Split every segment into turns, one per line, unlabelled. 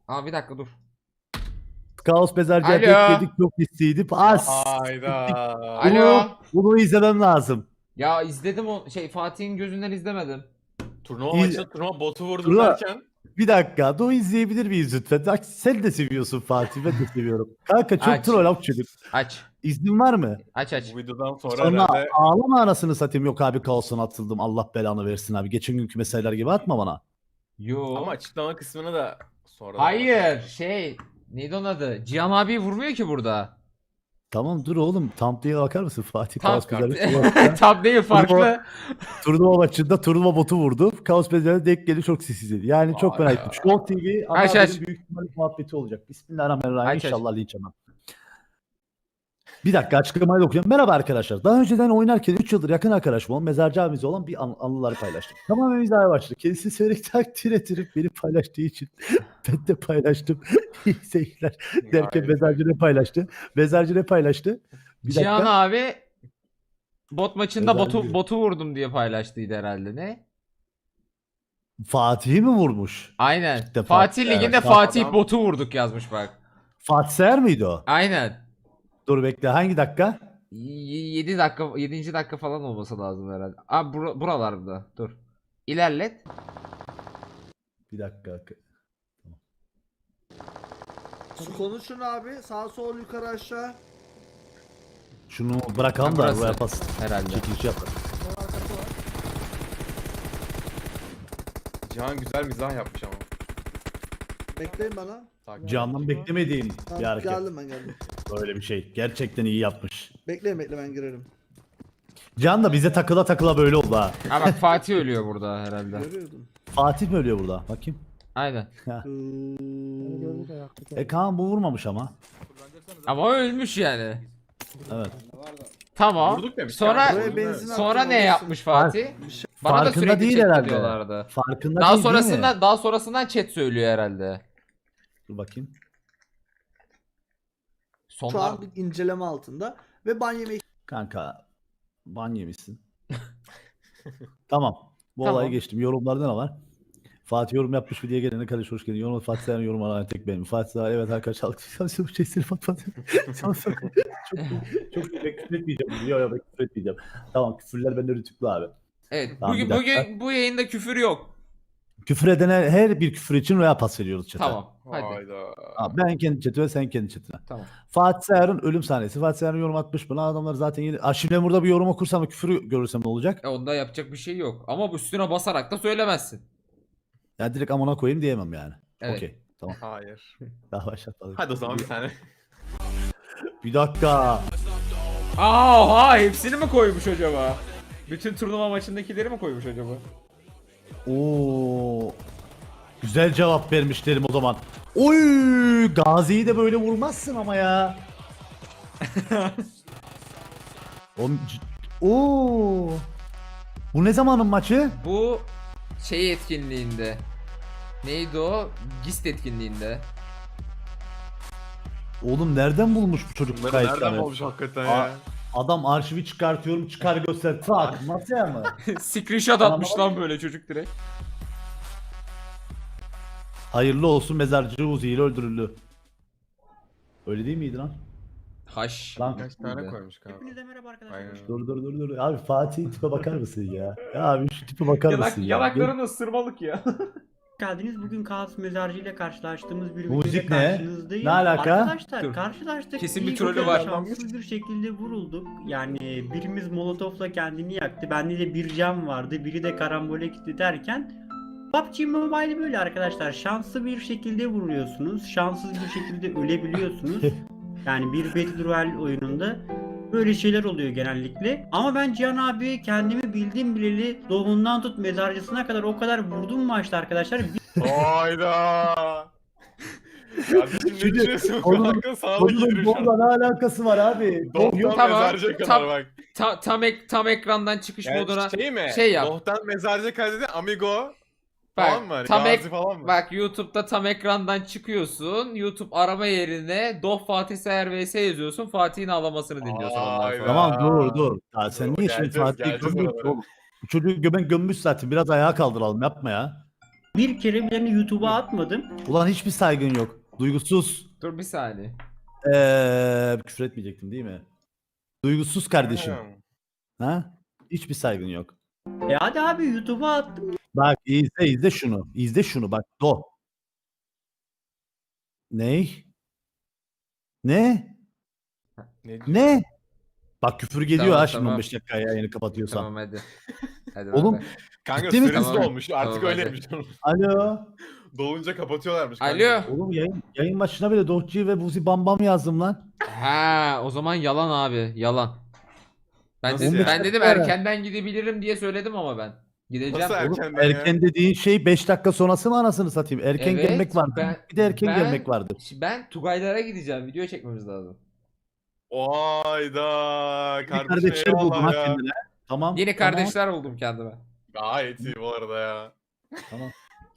Aa bir dakika dur.
Kaos Mezarcı'ya
Alo.
bekledik, çok istiydim.
Hayda.
Alo.
Bunu izlemem lazım.
Ya izledim o Fatih'in gözünden izlemedim.
Turnuva
İyi-
maçında turnuva botu vurdum
Turnuva-
derken.
Bir dakika, bunu izleyebilir miyiz lütfen? Bak, sen de seviyorsun Fatih, ben de seviyorum. Kanka çok
Aç.
troll çocuk.
Aç.
İznin var mı?
Aç aç.
Bu videodan sonra
Sonra
herhalde
ağlama anasını satayım. Yok abi, kaosuna atıldım. Allah belanı versin abi. Geçen günkü meseleler gibi atma bana.
Yo.
ama açıklama kısmını da sonra.
Hayır neydi onun adı? Cihan abi vurmuyor ki burada.
Tamam dur oğlum. Thumbnail'e bakar mısın Fatih?
Tam,
Kaos Mezarcı
tam değil farklı.
turnuva maçında turnuva botu vurdu. Kaos Mezarcı denk geldi, çok sessizdi. Yani çok
Vay
merak
ya.
ettim. Show TV ana
Aç,
haberin
aç.
büyük ihtimalle muhabbeti olacak. Bismillahirrahmanirrahim.
Aç, aç.
İnşallah linç yemem. Bir dakika, açıklamayı da okuyayım. Merhaba arkadaşlar. Daha önceden oynarken 3 yıldır yakın arkadaşım olan Mezarcı abimiz olan bir anıları paylaştım. Tamamen mizahı başladı. Kendisi severek takdir ettirip beni paylaştığı için ben de paylaştım. İyi seyirler derken
Gayet
Mezarcı ne paylaştı? Mezarcı ne paylaştı? Bir
Cihan
dakika.
abi bot maçında
Özel
botu vurdum diye paylaştıydı herhalde ne?
Fatih'i mi vurmuş?
Aynen.
İşte
Fatih
Fatih,
Ligi'nde
evet.
Fatih
Adam-
botu vurduk yazmış bak.
Fatih Seher miydi o?
Aynen.
Dur bekle, hangi dakika?
7 dakika 7. dakika falan olması lazım herhalde. Abi buralarda dur. İlerlet.
Bir dakika.
Konuşun abi. Sağ sol yukarı aşağı.
Şunu bırakalım
Ha,
da
burası.
buraya pas.
Herhalde.
Çekiliş yapalım.
Cihan güzel mizah yapmış ama.
Bekleyin bana.
Takip
Candan
ettik.
beklemediğim
Tamam,
bir hareket.
geldim ben geldim.
Böyle bir şey. Gerçekten iyi yapmış.
Bekleyin ben girerim.
Can da bize takıla takıla böyle oldu ha.
Ha bak Fatih ölüyor burada herhalde.
Görüyordum.
Fatih mi ölüyor burada? Bakayım.
Aynen.
Kaan bu vurmamış ama.
Ama ölmüş yani.
Evet.
Tamam.
Vurduk demiş
Sonra
ya.
Buraya benzin
sonra
attım,
ne
orası.
yapmış Fatih? Bana da
Farkında
sürekli
değil
chat
herhalde.
diyorlardı.
Farkında
Daha
değil, değil mi?
sonrasından chat söylüyor herhalde.
Dur bakayım.
Şu
Sonlar
an bir inceleme altında. Ve ban yemeği
Kanka ban yemişsin. Tamam. Bu
Tamam.
olayı geçtim. Yorumlarda ne var? Fatih yorum yapmış mı diye gelene kardeş hoş geldin. Yorum Fatih Sayar'ın yorumu alan tek benim. Fatih Sayar evet arkadaşlar. Çok şey seni Fatih. Çok iyi. Küfür etmeyeceğim. Yok ben küfür etmeyeceğim. Tamam, küfürler bende rütüklü abi.
Evet.
Tamam,
bugün
bir dakika.
bu yayında küfür yok.
Küfür edene her bir küfür için roya pas veriyoruz chat'e.
Tamam. Hadi.
Hayda.
Abi ben kendi chatime, sen kendi chatine.
Tamam.
Fatih Sayar'ın ölüm sahnesi. Fatih Sayar'ın yorum atmış bana. Adamlar zaten yeni. Şimdi burada bir yorum okursam ve küfürü görürsem ne olacak?
Onda yapacak bir şey yok. Ama bu üstüne basarak da söylemezsin.
Ya direkt amına koyayım diyemem yani.
Evet.
Okey. Tamam.
Hayır.
Daha başlatmadım.
Hadi o zaman bir tane.
Bir dakika.
Aha, hepsini mi koymuş acaba? Bütün turnuva maçındakileri mi koymuş acaba?
Oo. Güzel cevap vermiş derim o zaman. Oy! Gazi'yi de böyle vurmazsın ama ya. Oo. Bu ne zamanın maçı?
Bu şey etkinliğinde. Neydi o? GIST etkinliğinde.
Oğlum nereden bulmuş bu çocuk bu
Bunları nereden
kayıtları?
olmuş hakikaten ya.
Adam arşivi çıkartıyorum, çıkar göster. Tak. Nasıl yani?
Screenshot atmış lan böyle çocuk direkt.
Hayırlı olsun, mezarcı Uzi ile öldürüldü. Öyle değil miydi lan?
Haş.
Lan
Kaç tane koymuş kanka.
Hepinize merhaba arkadaşlar.
Aynen.
dur. Abi Fatih'in tipe bakar mısın ya? Ya abi şu tipe bakar mısın ya?
Yanakların ısırmalık ya.
Geldiniz. Bugün Kaos Mezarcı ile karşılaştığımız bir
Müzik
videoyla
ne?
karşınızdayım.
Ne alaka?
Arkadaşlar
Dur.
karşılaştık.
Kesin bir
İyi
trolü
güzel
var.
Şanssız bir şekilde vurulduk. Yani birimiz molotofla kendini yaktı. Bende de bir cam vardı. Biri de karambole gitti derken PUBG Mobile böyle arkadaşlar. Şanslı bir şekilde vuruyorsunuz. Şanssız bir şekilde ölebiliyorsunuz. Yani bir Battle Royale oyununda böyle şeyler oluyor genellikle. Ama ben Cihan abi kendimi bildim bileli doğumundan tut mezarcısına kadar o kadar vurdum maçta arkadaşlar.
Hayda. Kardeşim ne
Şimdi
düşünüyorsun?
onun-
Kanka sağlık
Onun
yürüyüş.
bomba ne alakası var abi?
Doğudan
Tamam,
mezarcıya kadar
tam-
bak.
Tam ekrandan çıkış
Yani
moduna
şey mi?
şey yap.
Doğudan mezarcıya kadar dedi Amigo.
Bak,
Falan mı? Hani
tam
Gazi falan mı?
Bak YouTube'da tam ekrandan çıkıyorsun. YouTube arama yerine Doh Fatih Seher vs yazıyorsun. Fatih'in ağlamasını dinliyorsun ondan
Hayda.
sonra.
Tamam dur. Ya sen
Dur,
niye şimdi
geleceğiz,
Fatih'i
geleceğiz
gömüyorsun
oralara.
oğlum? Bu çocuğu gömüş zaten. Biraz ayağa kaldıralım, yapma ya.
Bir kere bile YouTube'a atmadım.
Ulan hiçbir saygın yok. Duygusuz.
Dur bir saniye.
Küfür etmeyecektim değil mi? Duygusuz kardeşim. Ha? Hiçbir saygın yok.
Hadi abi YouTube'a attım.
Bak izle şunu. İzle şunu bak. Ney? Ne?
Ne?
Ne? Bak küfür geliyor
Tamam,
ha şimdi
tamam.
15 dakika yayını kapatıyorsam.
Tamam hadi. Hadi
Oğlum,
bay bay.
Kanka
Ciddi mi?
süresi
Tamam.
dolmuş. Artık
Tamam,
öyleymiş.
Alo.
Dolunca kapatıyorlarmış. kanka.
Alo.
Oğlum yayın başına bile Dohçi ve Buzi Bam Bam yazdım lan.
Ha, o zaman yalan abi. Yalan. Ben
Nasıl
dedim,
ya?
ben dedim erkenden gidebilirim diye söyledim ama ben. Gideceğim.
Nasıl
Oğlum,
erkenden ya?
erken dediğin şey 5 dakika sonrası mı anasını satayım? Erken
Evet,
gelmek vardır. Bir de erken gelmek vardır.
Ben Tugaylara gideceğim. Video çekmemiz lazım.
Oyda
Bir
kardeşim
kardeşler buldum ha
eyvallah ya.
kendine. Tamam.
Yeni
tamam,
kardeşler buldum kendime.
Gayet iyi bu arada ya.
Tamam.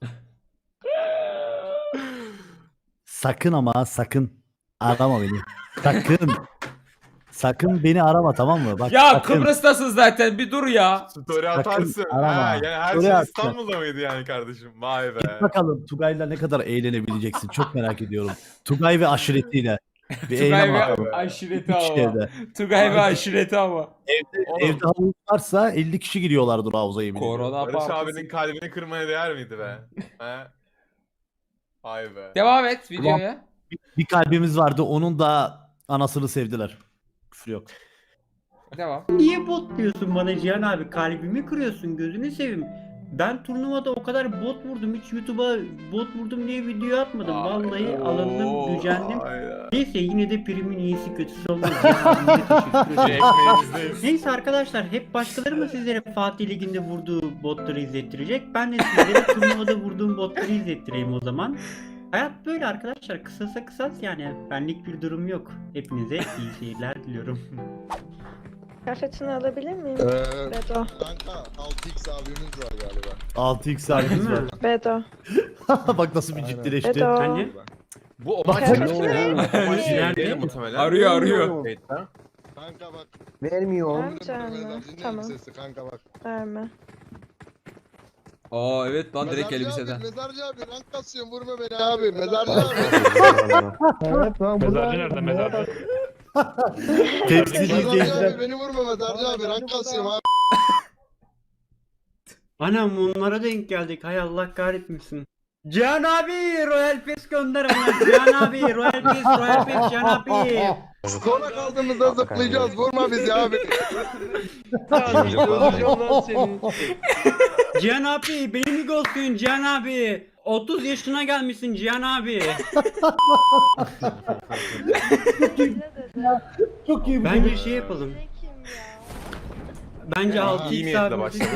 Sakın ama sakın arama beni. Sakın. Sakın beni arama tamam mı? Bak,
Ya
sakın.
Kıbrıs'tasın zaten. Bir dur ya.
Story atarsın.
arama.
Ha, yani her
Story
şey
at.
İstanbul'da mıydı yani kardeşim? Vay be.
Git bakalım Tugay'la ne kadar eğlenebileceksin. Çok merak ediyorum. Tugay ve aşiretiyle. Bir
Tugay
eğlen
ve
bakalım.
aşireti
İki
ama.
evde.
Tugay ve aşireti ama.
Oğlum,
Evde havuz varsa 50 kişi giriyorlardır havuza yemin ediyorum.
Korona
Barış
partisi.
abinin kalbini kırmaya değer miydi be? He? Vay be.
Devam et videoya.
Bir kalbimiz vardı onun da anasını sevdiler. Küfür yok.
Devam.
Niye bot diyorsun bana Cihan abi? Kalbimi kırıyorsun, gözünü seveyim. Ben turnuvada o kadar bot vurdum. Hiç YouTube'a bot vurdum diye video atmadım. Vallahi alındım, gücendim.
Hayda.
Neyse yine de primin iyisi kötüsü olmaz. Cihan abimize teşekkür
Bir
ederim.
ekmeğimizdeyiz.
Neyse arkadaşlar hep başkaları mı sizlere Fatih Ligi'nde vurduğu botları izlettirecek? Ben de sizlere turnuvada vurduğum botları izlettireyim o zaman. Hayat böyle arkadaşlar. Kısasa kısas yani. Benlik bir durum yok. Hepinize iyi seyirler diliyorum.
Kıyafetini alabilir miyim? Bedo.
Kanka 6x abimiz var galiba.
6x abimiz var.
Bedo.
Bak nasıl bir
Aynen.
ciddileşti.
Bedo.
Hani?
Bu o maç
Kıyafetini
ya.
verir
O maç
misin?
Nerede?
değil muhtemelen.
Arıyor.
Kayıtta.
Kanka bak.
Vermiyorum.
Ömrüm
Vermeyeceğim
mezarcı
mi?
ne
Tamam.
elbisesi kanka bak.
Verme.
Aa evet lan direkt
Mezarcı
elbiseden.
abi, mezarcı abi rank kasıyorum vurma beni abi. Mezarcı abi.
Mezarcı nerede mezarcı?
Tepsili
Mezarcı
izleyiciler.
abi beni vurma mezarcı abi rank kasıyorum abi.
Anam onlara denk geldik. Hay Allah kahretmesin. Cihan abi Royal Pass gönder ama. Cihan abi Royal Pass Cihan abi.
Sona kaldığımızda zıplayacağız vurma bizi abi.
Cihan abi beni mi ghostluyorsun Cihan abi? 30 yaşına gelmişsin Cihan abi.
Çok iyi bu.
Bence şey yapalım. Bence
Ya,
6
iyi
x
niyetle
abi.
başladı.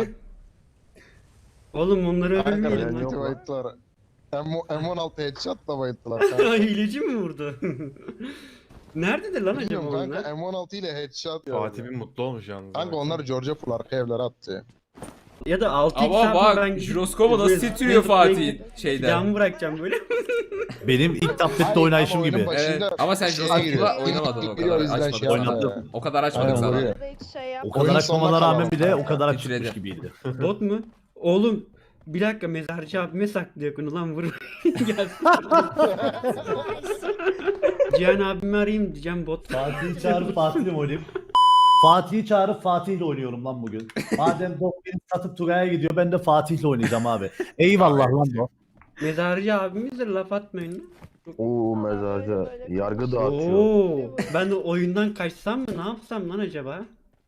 Oğlum onları
Kanka
öldürmeyelim
beni
lan.
bayıttılar. M16 headshot'la bayıttılar kanka.
Hileci mi vurdu? Nerededir lan acaba
Bilmiyorum kanka
onlar?
M16 ile headshot.
Fatih bir mutlu olmuş yalnız.
Kanka onlar Georgia full arka evlere attı.
Ya da 6 x
Ama
abi
bak
ben
jiroskopu nasıl titriyor Fatih şeyden.
Silahımı bırakacağım böyle.
Benim ilk tablette oynayışım
Ama oyunun
gibi.
başında
Evet, ama sen
şeye
jiroskopla
giriyor.
oynamadın o
Giriyor,
kadar.
o yüzden
Açmadık
şey
sana.
yapmadım.
O kadar açmadık
Aynen,
sana.
vuruyor.
Hiç şey yap.
O kadar
Oyun
açmamana
sonuna
rağmen
kalalım.
bile o kadar
Titredi.
açmış gibiydi.
Bot mu? Oğlum bir dakika mezarcı abime saklıyor konu lan vur. Gelsin. Cihan abimi arayayım diyeceğim bot.
Fatih'i çağırıp Fatih'le oynayayım. Fatih'i çağırıp Fatih'le oynuyorum lan bugün. Madem Doh beni satıp Tugay'a gidiyor ben de Fatih'le oynayacağım abi. Eyvallah lan Doh.
Mezarcı abimizdir laf atmayın.
Oo mezarcı. Yargı dağıtıyor.
Oo, ben de oyundan kaçsam mı ne yapsam lan acaba?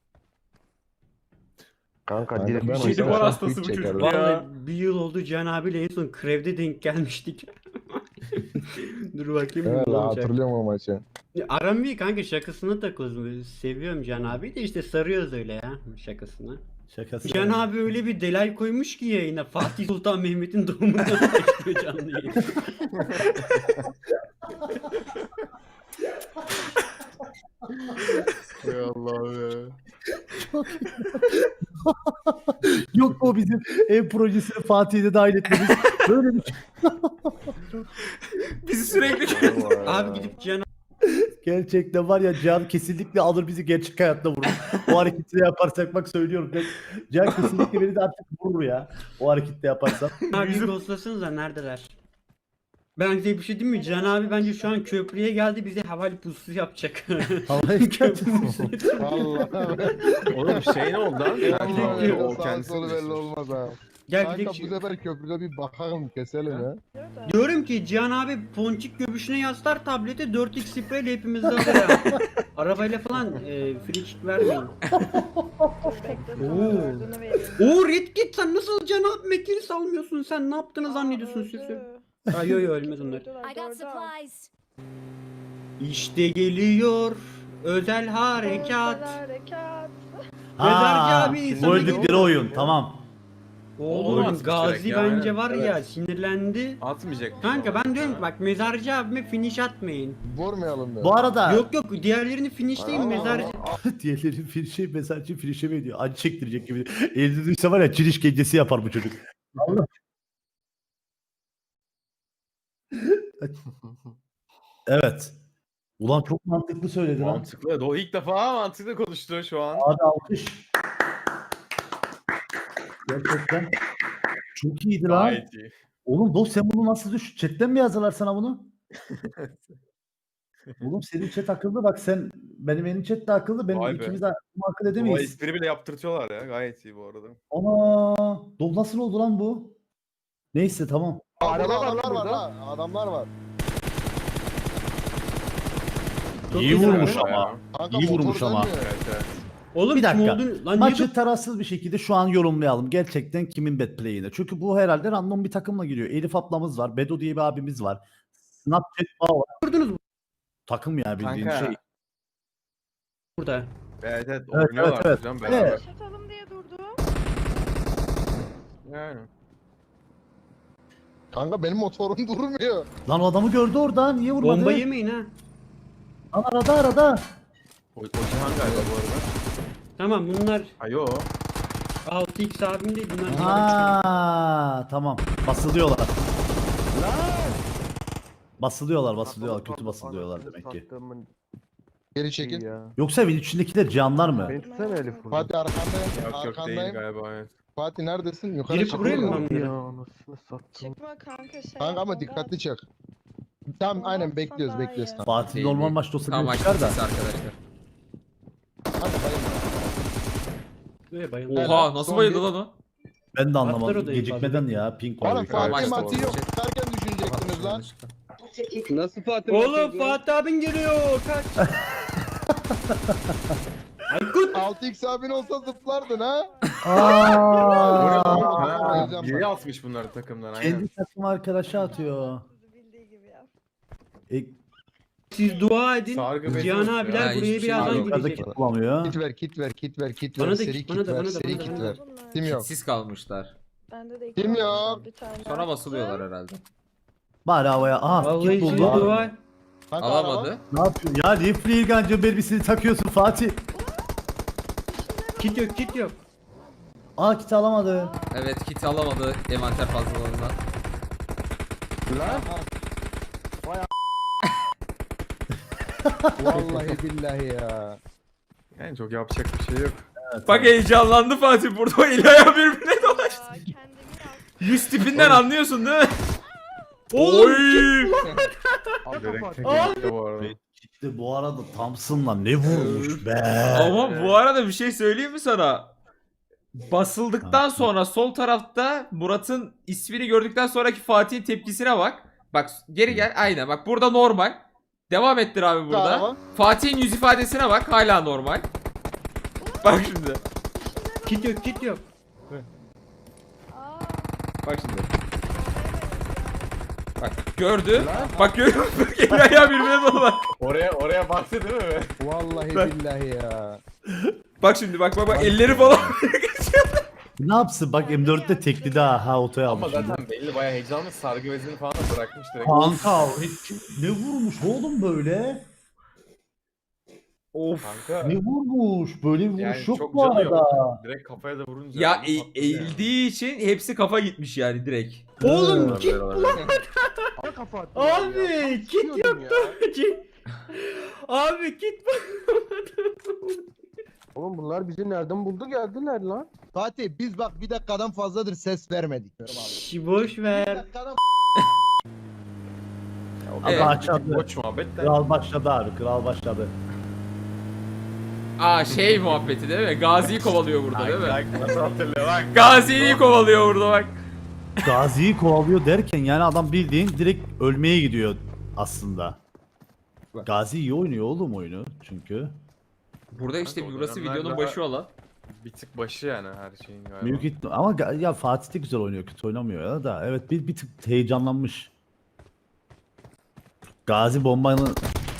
Kanka direkt
ben
ben
Şeyli var hastası bu çocuk ya.
Vallahi bir yıl oldu Cihan abiyle en son Krev'de denk gelmiştik. Dur bakayım
Evet
ne olacak.
hatırlıyorum o maçı.
Ya, aram iyi kanka şakasına takıyoruz. Seviyorum Cihan abi de işte sarıyoruz öyle ya şakasına.
Şakası.
Cihan abi öyle bir delay koymuş ki yayına Fatih Sultan Mehmet'in doğumundan başlıyor canlı yayın.
Ey Allah be.
Yok o bizim ev projesini Fatih'i de dahil etmemiz. Böyle bir şey.
Bizi sürekli
Abi gidip Cihan
Gerçekten var ya Cihan kesinlikle alır bizi gerçek hayatta vurur. O hareketi yaparsak bak söylüyorum. Cihan kesinlikle beni de artık vurur ya. O harekette yaparsam.
Abi ghostlasanıza neredeler? Ben size bir şey diyeyim mi? Can abi bence şu an köprüye geldi bize havali pusu yapacak.
Havaya
Köprünün üstüne.
Vallahi.
Oğlum şey ne oldu lan?
Vallahi
O
sağ
kendisi
solu belli
düşmüş.
olmaz ha.
Gel
Kanka
gidelim.
bu sefer köprüde bir bakalım keselim ya.
Diyorum ki Cihan abi ponçik göbüşüne yaslar tableti 4x spreyle hepimizde alır ya. Arabayla falan free kick vermeyin. Oo Red Kit sen nasıl Cihan abi mekini salmıyorsun sen ne yaptığını zannediyorsun süsü? Ay yo yo ölmez onlar.
I got supplies.
İşte geliyor özel harekat.
Ha,
abi,
bu
sana
öldükleri
geliyor.
oyun tamam.
Oğlum
atmış
Gazi
direkt ya,
bence
aynen.
var ya
Evet.
sinirlendi.
Atmayacak.
Kanka ben diyorum ki bak mezarcı abime finish atmayın.
Vurmayalım da.
Bu arada
Yok yok diğerlerini finishleyin mezarcı.
diğerleri finişe mesajcı finişe mi ediyor? Acı çektirecek gibi. Elde duysa var ya Çin işkencesi yapar bu çocuk. Allah. Evet. Ulan çok mantıklı söyledin ha.
Mantıklı. O ilk defa mantıklı konuştu şu an.
Abi alkış. Gerçekten çok iyiydi lan.
Gayet iyi.
Oğlum dost sen bunu nasıl düş? Chatten mi yazdılar sana bunu? Oğlum senin chat akıllı bak sen benim chat de akıllı. Benim
Vay be.
ikimiz de akıl
Bu
edemeyiz.
espri bile yaptırtıyorlar ya. Gayet iyi bu arada.
Ana dost nasıl oldu lan bu? Neyse tamam.
Araba adamlar var ha. Adamlar var.
Çok
İyi
güzel.
vurmuş
Evet,
ama.
ya.
Kanka
İyi
motor
vurmuş ama.
dönmüyor.
Evet evet.
Oğlum
Bir dakika.
kim olduğunu... Lan
Maçı
niye
tarafsız bir şekilde şu an yorumlayalım. Gerçekten kimin bet play'ine. Çünkü bu herhalde random bir takımla giriyor. Elif ablamız var. Bedo diye bir abimiz var. Snapchat Bağ var.
durdunuz
Takım ya bildiğin
Kanka.
şey.
burada?
Evet evet.
Evet,
Oynuyorlar
evet.
hocam beraber.
Evet.
Yaşatalım diye durdu.
Yani.
Kanka benim motorum durmuyor.
Lan o adamı gördü orada. Niye vurmadı?
Bomba yemeyin ha.
Lan arada.
O Cihan galiba bu arada.
Tamam bunlar
Ayo.
6x abim değil bunlar.
Ha tamam. Basılıyorlar. Basılıyorlar. Kötü basılıyorlar demek ki.
Geri çekil.
Yoksa evin içindekiler canlar mı?
Beni tutsana Elif burada.
Fatih arkandayım.
Yok yok değil
Arkandayım.
galiba evet.
Fatih neredesin? Yukarı
Girip
çık.
buraya mı ben?
Ya anasını sattım.
Çıkma kanka şey.
Kanka ama
yapma,
dikkatli çık. Tamam aynen
Olmazsa
bekliyoruz
daha
bekliyoruz.
iyi.
Tamam.
Fatih
Değil,
normal
değil.
maçta olsa
Tam
bir
maç
çıkar da.
bitmesi arkadaşlar.
Hadi bayılma.
Böyle bayıldı.
Evet.
Oha nasıl
son
bayıldı
bir-
lan o?
Ben de
Atlar
anlamadım.
odayı
Gecikmeden
fazla.
ya. Pink var.
Oğlum
yukarıda.
Fatih
Maçta
Mati yok.
olacak.
Çıkarken düşünecektiniz lan.
Nasıl Fatih?
Oğlum Fatih abin geliyor kaç. Aykut.
6x abin olsa zıplardın ha.
Aa,
Biri atmış bunları takımdan aynen.
kendi takım arkadaşı atıyor.
Bildiği gibi yap.
E,
Siz dua edin.
Sargı bezi
Cihan
yok ya.
abiler
Ya,
buraya
hiçbir şey
birazdan
yok.
yukarıda
gelecek.
kit bulamıyor.
Kit ver kit ver kit ver kit
Bana
ver.
da
Seri
kit,
kit
bana da,
ver.
bana da,
Seri
bana da,
kit
bana da.
ver.
Bunlar.
Kim yok?
Kitsiz kalmışlar.
Bende de iki
Kim
var.
yok?
Bir tane
Sonra
daha
basılıyorlar
attım.
herhalde.
Bari havaya. Aha
Vallahi
kit
siz
buldu.
dua.
Kanka
Alamadı.
Ne yapıyorsun? Ya niye Freelgancı mermisini takıyorsun Fatih?
Kit yok kit yok.
Aa kit alamadı.
Evet kit alamadı envanter fazlalığından.
Vallahi billahi ya.
Yani çok yapacak bir şey yok.
Bak heyecanlandı Fatih burada o eli ayağı birbirine dolaştı.
Aa, kendimi yaptım.
Yüz tipinden anlıyorsun değil mi?
Oğlum
Direkt tek gitti bu arada.
İşte bu arada Thompson'la ne vurmuş be.
Ama bu arada bir şey söyleyeyim mi sana? Basıldıktan sonra sol tarafta Murat'ın ismini gördükten sonraki Fatih'in tepkisine bak. Bak geri gel aynen bak burada normal. Devam ettir abi burada.
Tamam.
Fatih'in yüz ifadesine bak hala normal. Bak şimdi.
kit yok kit yok.
Aa,
Bak şimdi. Bak gördü. Bak görüyor musun? Eli ayağı birbirine dolu bak.
Oraya baktı değil mi?
Vallahi billahi ya.
Bak şimdi bak elleri falan.
Ne yapsın bak M4'te tekli daha ha otoya
Ama
almış. şimdi.
zaten belli bayağı heyecanlı sargı bezini falan da bırakmış direkt.
Kanka ne vurmuş oğlum böyle?
Of.
Kanka
Ne vurmuş? Böyle bir vuruş
yani
yok
çok
bu
canı
arada.
yok. Direkt kafaya da vurunca.
Ya
patladı yani.
eğildiği için hepsi kafa gitmiş yani direkt.
Oğlum
Olabilir,
kit
olabilir.
Abi kit yoktu. Abi git
Oğlum bunlar bizi nereden buldu geldiler lan.
Fatih biz bak bir dakikadan fazladır ses vermedik.
Şş, boş
Bir
ver.
dakikadan
Evet.
Başladı.
Boş muhabbet de.
Kral başladı abi. Kral başladı.
Aa şey muhabbeti değil mi? Gazi'yi kovalıyor burada değil mi?
Bak nasıl hatırlıyor bak.
Gazi'yi kovalıyor burada bak.
Gazi'yi kovalıyor derken yani adam bildiğin direkt ölmeye gidiyor aslında. Gazi iyi oynuyor oğlum oyunu çünkü.
Burada işte
Kanka, o
burası
dönemler
videonun
daha-
başı olan.
Bir tık başı yani her şeyin galiba.
Büyük ama ya Fatih de güzel oynuyor, kötü oynamıyor ya da. Evet bir tık heyecanlanmış. Gazi bombanın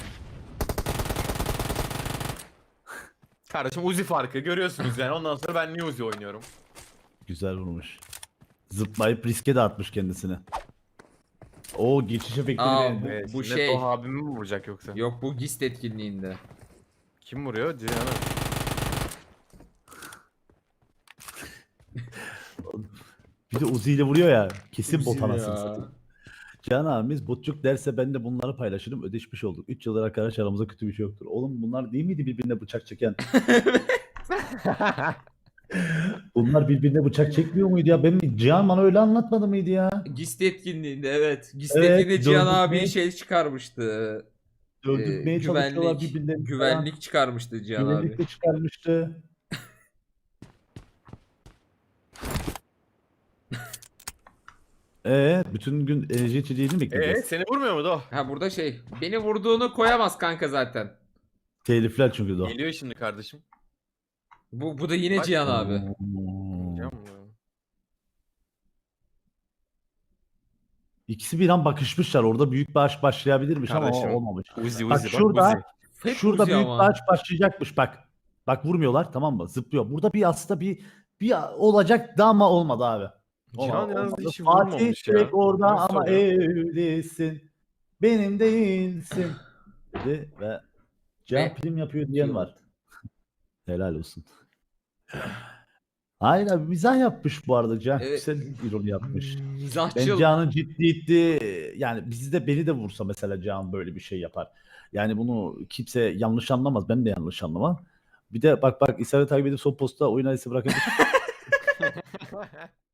Kardeşim Uzi farkı görüyorsunuz yani. Ondan sonra ben niye Uzi oynuyorum?
güzel vurmuş. Zıplayıp riske de atmış kendisini. O geçiş efektini
Aa,
beğendim.
Bu
Şimdi
şey-
Toh abimi mi vuracak yoksa?
Yok bu GIST etkinliğinde.
Kim vuruyor? Cihan'ı.
Bir de Uzi ile vuruyor ya. Kesin
Uzi
bot
ya.
anasını satayım. Can abimiz botçuk derse ben de bunları paylaşırım. Ödeşmiş olduk. 3 yıldır arkadaş aramızda kötü bir şey yoktur. Oğlum bunlar değil miydi birbirine bıçak çeken? Bunlar birbirine bıçak çekmiyor muydu ya? Ben Cihan bana öyle anlatmadı mıydı ya?
GIST etkinliğinde evet. GIST
Evet,
etkinliğinde Cihan
döndürmeye-
abi şey çıkarmıştı.
Öldürmeye çalışıyorlar birbirlerini.
Güvenlik çıkarmıştı Cihan
Güvenlik
abi.
de çıkarmıştı. Bütün gün enerji içeceğini mi bekleyeceğiz?
Seni vurmuyor mu Doh?
Ha burada şey. Beni vurduğunu koyamaz kanka zaten.
Telifler çünkü de o.
Geliyor şimdi kardeşim.
Bu da yine
Bak-
Cihan abi.
Cihan mı?
İkisi bir an bakışmışlar. Orada büyük bir aşk başlayabilirmiş
Kardeşim,
ama olmamış.
Uzi
Bak
Uzi
şurada,
Uzi.
Hep
şurada
Uzi
büyük
ama.
bir aşk başlayacakmış bak. Bak vurmuyorlar tamam mı? Zıplıyor. Burada bir aslında bir olacaktı ama olmadı abi.
Cihan yalnız
Olmadı.
hiç
Fatih
vurmamış ya.
direkt orada
Nasıl
ama
oluyor?
evlisin. Benim değilsin. Dedi ve Cihan
Ve-
prim yapıyor diyen var. Helal olsun. Hayır abi mizah yapmış bu arada Cihan.
Evet.
Güzel ironi yapmış. Ben
Mizahçıl.
Cihan'ın ciddiyeti yani bizi de beni de vursa mesela Cihan böyle bir şey yapar. Yani bunu kimse yanlış anlamaz. Ben de yanlış anlamam. Bir de bak İsa'yı takip edip son posta oyun adresi bırakabilir.